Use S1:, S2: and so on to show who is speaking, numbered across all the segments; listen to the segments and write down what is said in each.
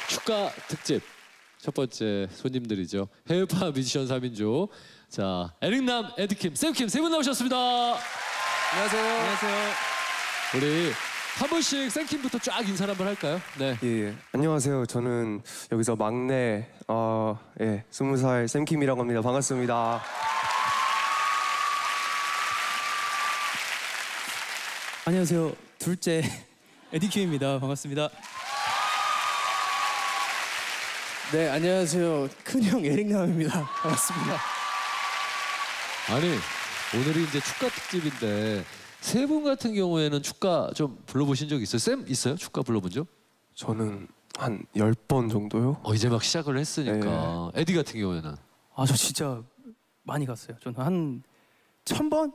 S1: 축가 특집 첫 번째 손님들이죠. 해외파 뮤지션 3인조. 자, 에릭남, 에드킴, 샘킴 세 분 나오셨습니다.
S2: 안녕하세요.
S3: 안녕하세요.
S1: 우리 한 분씩 샘킴부터 쫙 인사를 한번 할까요? 네.
S2: 예, 안녕하세요. 저는 여기서 막내 20살 샘킴이라고 합니다. 반갑습니다.
S3: 안녕하세요. 둘째 에디킴입니다. 반갑습니다. 네, 안녕하세요. 큰형 에릭남입니다. 반갑습니다.
S1: 아니, 오늘이 이제 축가 특집인데 세 분 같은 경우에는 축가 좀 불러보신 적 있어요? 쌤 있어요? 축가 불러본 적?
S2: 저는 한 10번 정도요?
S1: 이제 막 시작을 했으니까. 에디 같은 경우에는?
S3: 아, 저 진짜 많이 갔어요. 저는 한 1000번?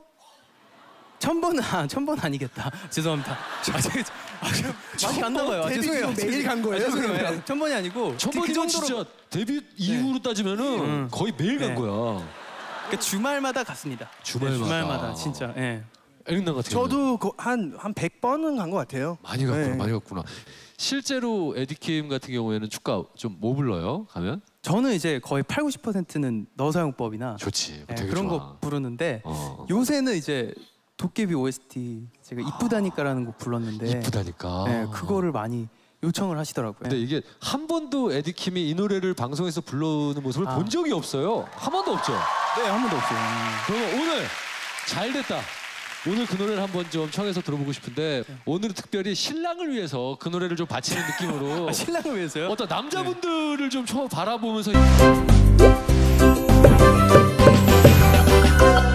S3: 1000번은 아니겠다. 죄송합니다. 많이 갔나 봐요. 죄송해요.
S2: 매일 간 거예요?
S3: 죄송해요. 1000번이 아니고
S1: 1000번이면 진짜 데뷔 이후로 따지면은 거의 매일 간 거야.
S3: 그러니까 주말마다 갔습니다. 주말마다 진짜. 예.
S1: 에릭남 같은 경우는?
S4: 저도 한 100번은 간 것 같아요.
S1: 많이 갔구나.
S4: 네.
S1: 많이 갔구나. 실제로 에디킴 같은 경우에는 축가 좀 뭐 불러요? 가면?
S3: 저는 이제 거의 80~90%는 너사용법이나
S1: 좋지.
S3: 예,
S1: 되게
S3: 그런
S1: 좋아.
S3: 거 부르는데
S1: 요새는
S3: 이제 도깨비 OST 제가 이쁘다니까라는 곡 불렀는데
S1: 이쁘다니까.
S3: 예, 그거를 많이 요청을 하시더라고요.
S1: 근데 이게 한 번도 에디킴이 이 노래를 방송에서 부르는 모습을 본 적이 없어요. 한 번도 없죠.
S3: 네, 한 번도 없어요.
S1: 그러면 오늘 잘 됐다. 오늘 그 노래를 한번 좀 청해서 들어보고 싶은데 오늘은 특별히 신랑을 위해서 그 노래를 좀 바치는 느낌으로
S3: 신랑을 위해서요?
S1: 어떤 남자분들을 좀 바라보면서